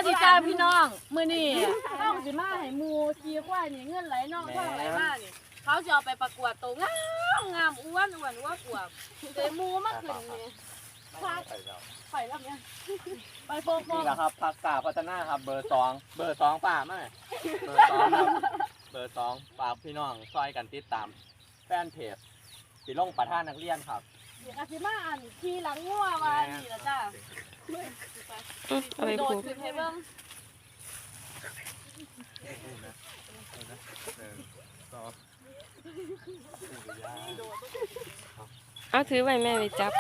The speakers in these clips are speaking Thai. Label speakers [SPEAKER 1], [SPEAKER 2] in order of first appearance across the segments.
[SPEAKER 1] ดีจ้าพี่น้องมื้อนี้ต้องสิมาให้หมูขี่ควายนี่เงินไหลนองท่องไหลมานี่เขาจะเอาไปประกวดตัวงามอ้วนว่าอวบแต่หมูมาขึ้นนี่ไปแล้วเนี่ยไปโฟกนี่แหละครับผักกาพัฒนาครับเบอร์2ป่ามาเบอร์2ครับเบอร์2ฝากพี่น้องซอยกันติดตามแฟนเพจสิลงประธานนักเรียนครับเดี๋ยวอาสิมาอ่านขี่หลังงัวว่านี่ล่ะจ้า
[SPEAKER 2] อะไรครูเอาถือไว้แม่ไปจับ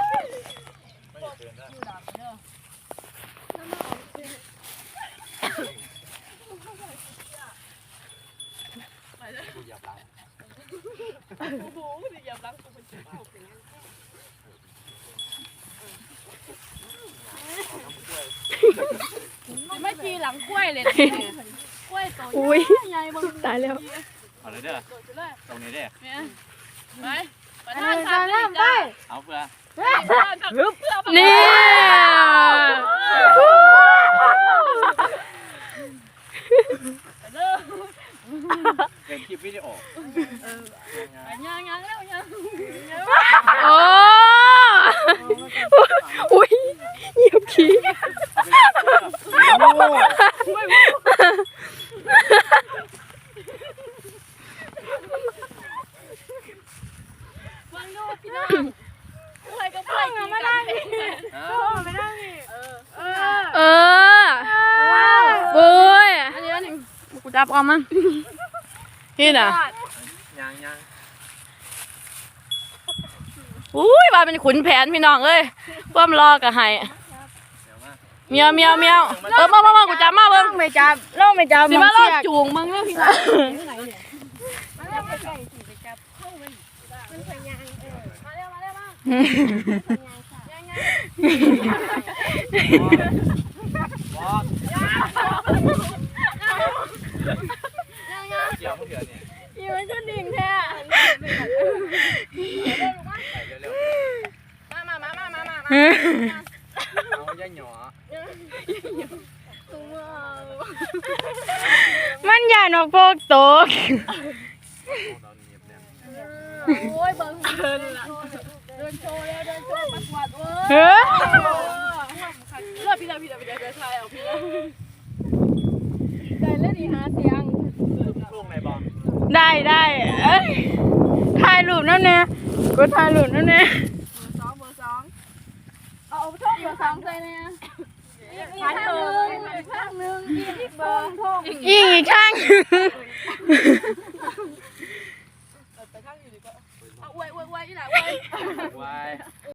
[SPEAKER 1] ไม่ขี่หลังกล้วยเลยกล้วยตัวใหญ่
[SPEAKER 2] ตายแล้ว
[SPEAKER 3] เอาเลยเด้อตรงนี้เด้อ
[SPEAKER 1] ไปประธานทำได้ไป
[SPEAKER 3] เอาเพื่อ
[SPEAKER 2] นี่
[SPEAKER 3] เป็นคลิปวิดีโอ
[SPEAKER 1] ยังแล้วยัง
[SPEAKER 2] โอ้อุ้ยเหยียบขี้
[SPEAKER 1] ฟังดูพี่น้องใครก็ไปกินไม่ได้ไม่ได้
[SPEAKER 2] บุย
[SPEAKER 1] อันนี้กูจับออกมั้ง
[SPEAKER 2] นี่น่ะ
[SPEAKER 3] ยัง
[SPEAKER 2] อุ้ยมาเป็นขุนแผนพี่น้องเอ้ยเพิ่มรอกับไห้เมียวมากูจับมาเบิ้งไม่จับล่องไม่จับสิมาล่อจูงมึงเรื่องพี่น้อง
[SPEAKER 3] เกี่ยวเดี๋ยวเนี่ย
[SPEAKER 1] อยู่มันจะดิ่งแท้มา
[SPEAKER 3] เอาย่าหยอ
[SPEAKER 2] มันอย่านกโปกตก
[SPEAKER 1] โอ้ยเบิ้งเดินโชว์แล้วเดินโชว์ประกวดเว้ยพี่ทายเอาพี่ได้เล่นอีหาเสียง
[SPEAKER 3] ลูกไหนบอล
[SPEAKER 2] ได้ถ่ายรูปนั่นเนี่ยกูถ่ายรูปนั่นเนี่ย
[SPEAKER 1] เบอร์สองเอาช่องเบอร์2ใส่เนี่ยอีกข้างนึงอีกเบอร์
[SPEAKER 2] อีกข้าง
[SPEAKER 1] ไปข้างอยู่ดีกว่าเอาอวยอีหล่ะอวย